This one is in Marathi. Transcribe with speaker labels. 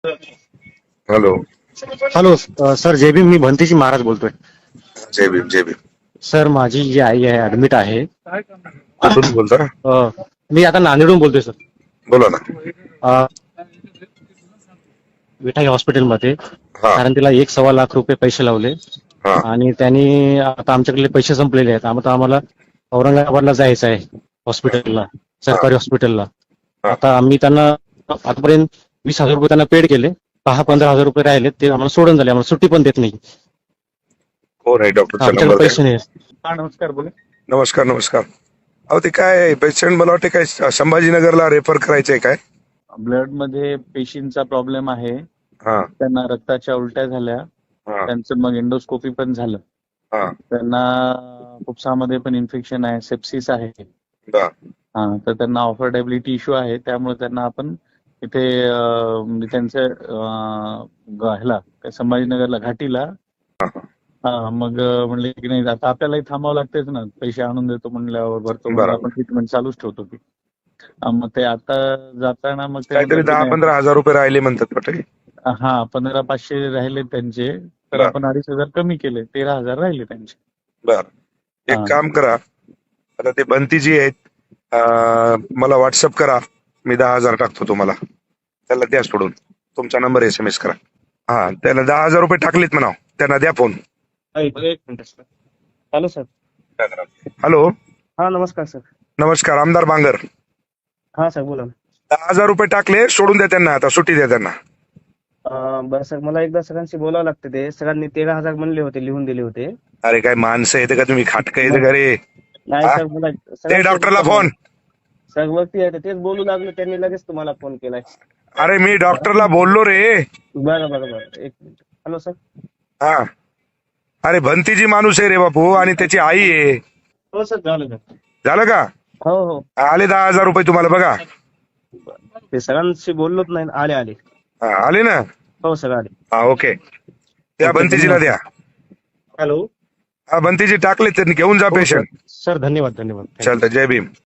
Speaker 1: हॅलो.
Speaker 2: हॅलो सर जय भीम. मी भंतीजी महाराज बोलतोय.
Speaker 1: जय भीम जय भीम.
Speaker 2: सर माझी जी आई आहे ऍडमिट आहे.
Speaker 1: कुठून बोलता?
Speaker 2: मी आता नांदेडहून बोलतोय सर.
Speaker 1: बोला ना.
Speaker 2: विठाई हॉस्पिटलमध्ये.
Speaker 1: हा
Speaker 2: कारण तिला 1.25 लाख रुपये पैसे लावले
Speaker 1: हा
Speaker 2: आणि त्यांनी आता आमच्याकडे पैसे संपलेले आहेत. आता आम्हाला औरंगाबादला जायचं आहे हॉस्पिटलला,
Speaker 1: हा
Speaker 2: सरकारी हॉस्पिटलला.
Speaker 1: हा.
Speaker 2: आता आम्ही त्यांना आतापर्यंत 20,000 रुपये त्यांना पेड केले. 10-15,000 रुपये राहिले ते आम्हाला सोडून झाले. आम्हाला सुट्टी पण देत नाही.
Speaker 1: कोण आहे डॉक्टरचा
Speaker 2: आमच्याकडे
Speaker 1: नंबर द्या.
Speaker 2: पैसे नाही.
Speaker 3: हा नमस्कार, बोला.
Speaker 1: नमस्कार नमस्कार. अहो ते काय पेशंट मला वाटते काय संभाजीनगरला रेफर करायचंय काय?
Speaker 3: ब्लड मध्ये पेशींचा प्रॉब्लेम आहे.
Speaker 1: हा
Speaker 3: त्यांना रक्ताच्या उलट्या झाल्या.
Speaker 1: हा
Speaker 3: त्यांचं मग एंडोस्कोपी पण झालं.
Speaker 1: हा.
Speaker 3: त्यांना फुफ्सामध्ये पण इन्फेक्शन आहे, सेप्सिस आहे.
Speaker 1: बर.
Speaker 3: तर त्यांना ऑफर्डेबिलिटी इश्यू आहे. त्यामुळे त्यांना आपण इथे म्हणजे त्यांच्या ह्याला संभाजीनगरला घाटीला. मग म्हणले की नाही आता आपल्यालाही थांबावं लागतेच ना, पैसे आणून देतो म्हणल्यावर भरतो म्हणून आपण ट्रीटमेंट चालूच ठेवतो की. मग ते आता जाताना मग ते
Speaker 1: काहीतरी
Speaker 3: म्हणतात की नाही,
Speaker 1: 10-15 हजार रुपये राहिले म्हणतात वाटते.
Speaker 3: 15,500 राहिले त्यांचे. तर
Speaker 1: बर.
Speaker 3: आपण 2,500 कमी केले, 13,000 राहिले त्यांचे.
Speaker 1: बर. एक
Speaker 3: हा.
Speaker 1: काम करा, आता ते बंतीजी आहेत, मला व्हॉट्सअप करा. मी 10,000 टाकतो तुम्हाला. त्याला द्या सोडून. तुमचा नंबर SMS करा. हा त्याला 10,000 रुपये टाकलेत म्हणा. त्यांना द्या फोन.
Speaker 2: एक minute sir. Hello sir.
Speaker 1: Hello.
Speaker 2: हा नमस्कार सर.
Speaker 1: नमस्कार. आमदार बांगर.
Speaker 2: हा सर बोला.
Speaker 1: 10,000 रुपये टाकले, सोडून द्या त्यांना. आता सुट्टी द्या त्यांना.
Speaker 2: बरं सर, मला एकदा सगळ्यांशी बोलावं लागतं. ते सगळ्यांनी 13,000 म्हणले होते, लिहून दिले होते.
Speaker 1: अरे काय माणसं येते का तुम्ही? खाटकं येते का रे?
Speaker 2: नाही
Speaker 1: हा?
Speaker 2: सर मला
Speaker 1: ते डॉक्टरला फोन.
Speaker 2: सर वरती आहे तेच बोलू लागले, त्यांनी लगेच तुम्हाला फोन केलाय.
Speaker 1: अरे मी डॉक्टरला बोललो रे.
Speaker 2: बरं बरं बरं, एक मिनिट. Hello sir.
Speaker 1: हा. अरे भंतीजी माणूस आहे रे बापू, आणि त्याची आई आहे.
Speaker 2: हो सर, झालं सर.
Speaker 1: झालं का?
Speaker 2: हो हो.
Speaker 1: आले 10,000 रुपये तुम्हाला बघा.
Speaker 2: ते सगळ्यांशी बोललोच नाही. आले आले.
Speaker 1: हा आले ना.
Speaker 2: हो सर आले.
Speaker 1: हा ओके. त्या बंतीजीला द्या.
Speaker 2: हॅलो.
Speaker 1: हा बंतीजी टाकले, त्यांनी घेऊन जा पेशंट.
Speaker 2: सर धन्यवाद धन्यवाद.
Speaker 1: चालतं. जय भीम.